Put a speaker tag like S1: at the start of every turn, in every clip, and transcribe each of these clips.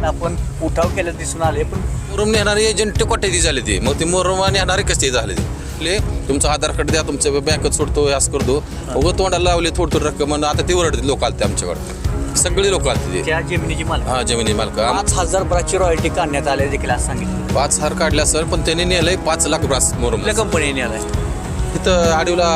S1: आपण उठाव केलं दिसून आले. पण
S2: मुरुम नेणारे एजंट कोट्याधी झाले ते, मग ते मुरुम नेणारे कसे झाले ते तुमचं आधार कार्ड द्या, तुमचं बँकेत सोडतो असं करतो. उगं तोंडाला लावले थोडं रक्कम, आता ते ओरडते लोक आलते आमच्याकडे, सगळे लोक आलते ते.
S1: त्या जमिनीची मालक
S2: हा जमिनी मालक
S1: 5,000 ब्रासची रॉयल्टी काढण्यात आले देखील असं सांगितलं.
S2: 5,000 काढल्या सर, पण त्यांनी नेलंय 5 लाख ब्रास मुरुम.
S1: कुठल्या कंपनीने आलाय?
S2: इथं आडीला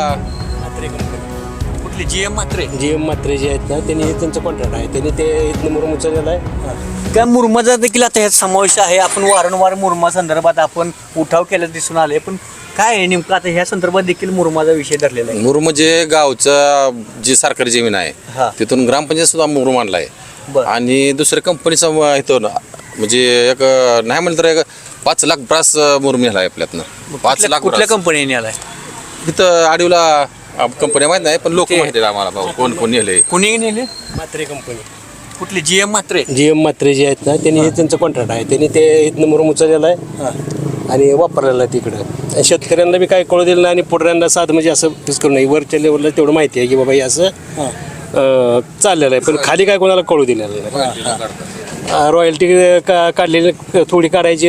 S1: कुठली GM म्हात्रे?
S3: GM म्हात्रे जे आहेत ना, त्यांनी त्यांचं कॉन्ट्रॅक्ट आहे, त्यांनी ते इथनं मुरुम उचललेलं आहे.
S1: त्या मुरमाचा देखील आता ह्यात समावेश आहे. आपण वारंवार मुरमा संदर्भात आपण उठाव केलं दिसून आले. पण काय आहे नेमकं आता ह्या संदर्भात देखील मुरमाचा विषय धरलेला आहे.
S2: मुरुम म्हणजे गावचं जी सरकारी जमीन आहे
S1: हा.
S2: तिथून ग्रामपंचायत सुद्धा मुरुम आणलाय.
S1: बरं.
S2: आणि दुसऱ्या कंपनीचा इथं म्हणजे एक नाही म्हणलं तर एक 5 लाख ब्रास मुरुम नेला आहे आपल्यातनं. 5 लाख
S1: कुठल्या
S2: ब्रास.
S1: कंपनीने आलाय?
S2: इथं आडीला कंपन्या माहित नाही, पण लोक माहिती आहेत आम्हाला भाऊ कोण कोण नेले.
S1: कुणी नेले?
S3: म्हात्रे कंपनी.
S1: कुठली GM म्हात्रे?
S3: GM म्हात्रे जे आहेत ना, त्यांनी त्यांचं कॉन्ट्रॅक्ट आहे, त्यांनी ते इथनं मुरुम उचललेलं आहे आणि वापरलेलं आहे तिकडं. आणि शेतकऱ्यांना बी काय कळू दिलं नाही आणि पुढऱ्यांना साध म्हणजे असं फिक्स करू नये. वरच्या लेवलला तेवढं माहिती आहे की बाबा हे असं चाललेलं आहे, पण खाली काय कोणाला कळू दिलेलं नाही. रॉयल्टी काढलेली थोडी काढायची,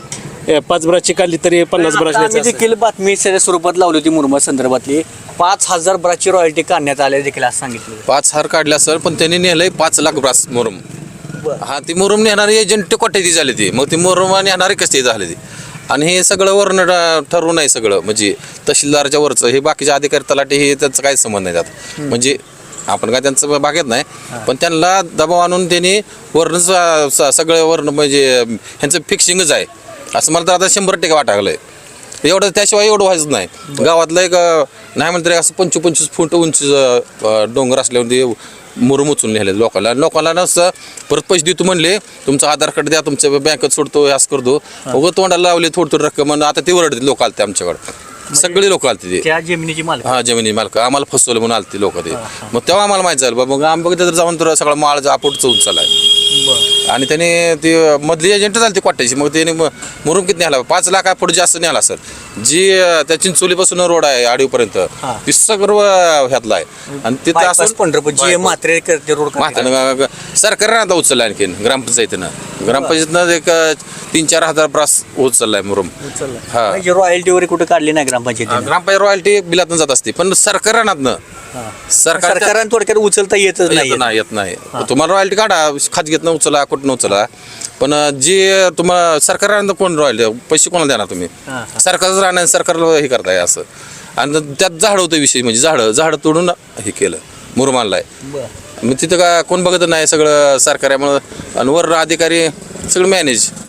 S3: 5 ब्रासची काढली तरी 50 ब्रास
S1: आम्ही
S3: द्यायचं.
S1: देखील बातमी सध्या स्वरूपात लावली होती मुरमा संदर्भातली. 5,000 ब्रासची रॉयल्टी काढण्यात आले देखील असं सांगितलं.
S2: 5,000 काढल्या सर, पण त्यांनी नेलंय 5 लाख ब्रास मुरुम. हा ती मुरुम नेणारे एजंट कोट्याधी झाले ते, मग ती मुरुम नेणारे कसे झाले ते. आणि हे सगळं वर्ण ठरवून आहे सगळं, म्हणजे तहसीलदारच्या वरचं हे बाकीचे अधिकारी तलाठी हे त्याचं काही संबंध नाही त्यात. म्हणजे आपण काय त्यांचं बागेत नाही, पण त्यांना दबाव आणून त्यांनी वर्ण सगळं वर्ण म्हणजे ह्यांचं फिक्सिंगच आहे असं मला तर आता 100% वाटागलंय. एवढं त्याशिवाय एवढं व्हायचं नाही. गावातलं एक नाही म्हणलं तरी असं 25-25 फूट उंच डोंगर असल्यावर ते मुरुम उचलून नेले लोकांना नसतं. परत पैसे देतो म्हणले, तुमचं आधार कार्ड द्या, तुमच्या बँकेत सोडतो असं करतो. उगं तोंडाला लावले थोडं रक्कम, आता ते ओरडते लोक आलते आमच्याकडे, सगळे लोक आलते ते.
S1: त्या जमिनीची मालक
S2: हा जमिनी मालक आम्हाला फसवलं म्हणून आलते लोक ते. मग तेव्हा आम्हाला माहिती झालं बाबा, मग आम्ही बघितलं तर जाऊन तर सगळा माळ आपोट चौन चाललाय. आणि त्याने ते मधली एजंट झाली ती क्वाट्याची, मग त्याने मुरुम किती न्याला 5 लाख पुढे जास्त न्याला सर. जी त्या चिंचोलीपासून रोड आहे आडीपर्यंत ती सर्व ह्यातला आहे. आणि तिथं
S1: bypass
S2: असं
S1: पंढरपूर GM म्हात्रे करते रोड.
S2: म्हातारं सरकारनं आता उचललं आणखीन ग्रामपंचायतीनं एक 3-4 हजार ब्रास उचललाय मुरुम. हा
S1: रॉयल्टी वगैरे कुठे काढली नाही ग्रामपंचायतीने?
S2: ग्रामपंचायत रॉयल्टी बिलातून जात असते, पण सरकारानं
S1: सरकारनं थोडक्यात उचलता येतच नाही.
S2: येत नाही. तुम्हाला रॉयल्टी काढा, खाजगीतनं उचला, कुठं उचला, पण जी तुम्हाला सरकारानं कोण रॉयल्टी पैसे कोणाला देणार तुम्ही? सरकारच राहणार, सरकारला हे करताय असं. आणि त्यात झाड होतं विषय, म्हणजे झाडं तोडून हे केलं मुरुम आणलाय. मग तिथं का कोण बघत नाही, सगळं सरकारामुळं. आणि वर अधिकारी सगळं मॅनेज